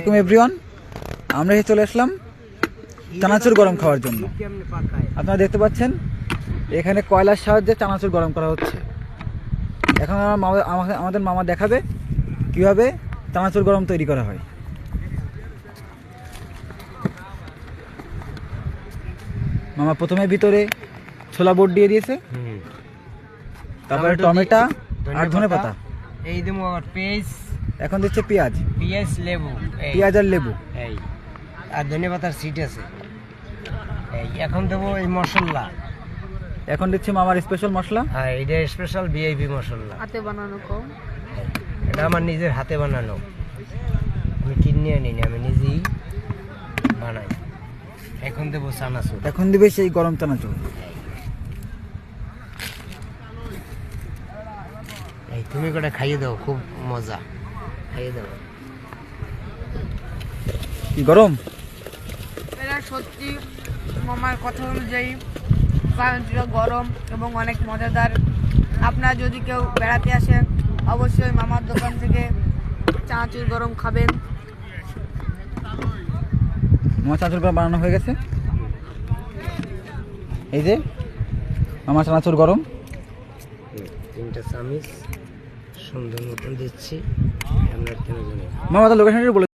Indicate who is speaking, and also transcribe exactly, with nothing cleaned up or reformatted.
Speaker 1: আসসালামু এভরিওয়ান, আমরা এসে চলে আসলাম চানাচুর গরম খাওয়ার জন্য। আপনারা দেখতে পাচ্ছেন এখানে কয়লার সাহায্যে চানাচুর গরম করা হচ্ছে। এখন আমার মামা আমাদের মামা দেখাবে কিভাবে চানাচুর গরম তৈরি করা হয়। মামা প্রথমে ভিতরে ছোলা বোট দিয়ে দিয়েছে, তারপরে টমেটো আর ধনেপাতা,
Speaker 2: এই দেবো আবার পেঁয়াজ,
Speaker 1: এখন দিচ্ছে পেঁয়াজ
Speaker 2: পেঁয়াজ লেবু,
Speaker 1: পেঁয়াজ আর লেবু,
Speaker 2: এই আর ধনেপাতার সিট আছে। এই এখন দেবো এই মশলা,
Speaker 1: এখন দিচ্ছে মামার স্পেশাল মশলা।
Speaker 2: হ্যাঁ এটা স্পেশাল ভিআইপি মশলা,
Speaker 3: হাতে বানানো কম,
Speaker 2: এটা আমার নিজের হাতে বানানো, আমি কিনে আনি না, আমি নিজেই বানাই। এখন দেবো চানাচুর,
Speaker 1: এখন দিবে সেই গরম চানাচুর।
Speaker 2: এই তুমি করে খাইয়ে দাও, খুব মজা, খাইয়ে দাও।
Speaker 1: কি গরম?
Speaker 3: এটা সত্যি মামার কথা অনুযায়ী চানাচুরটা গরম এবং অনেক মজাদার। আপনারা যদি কেউ বেড়াতে আসেন অবশ্যই মামার দোকান থেকে চানাচুর গরম খাবেন।
Speaker 1: মামা চানাচুর গরম বানানো হয়ে গেছে। এই যে মামা চানাচুর গরম,
Speaker 2: তিনটা চামিচ সুন্দর মতন দিচ্ছি। আমরা কেন জানি
Speaker 1: মামা তো লোকেশনটা বলে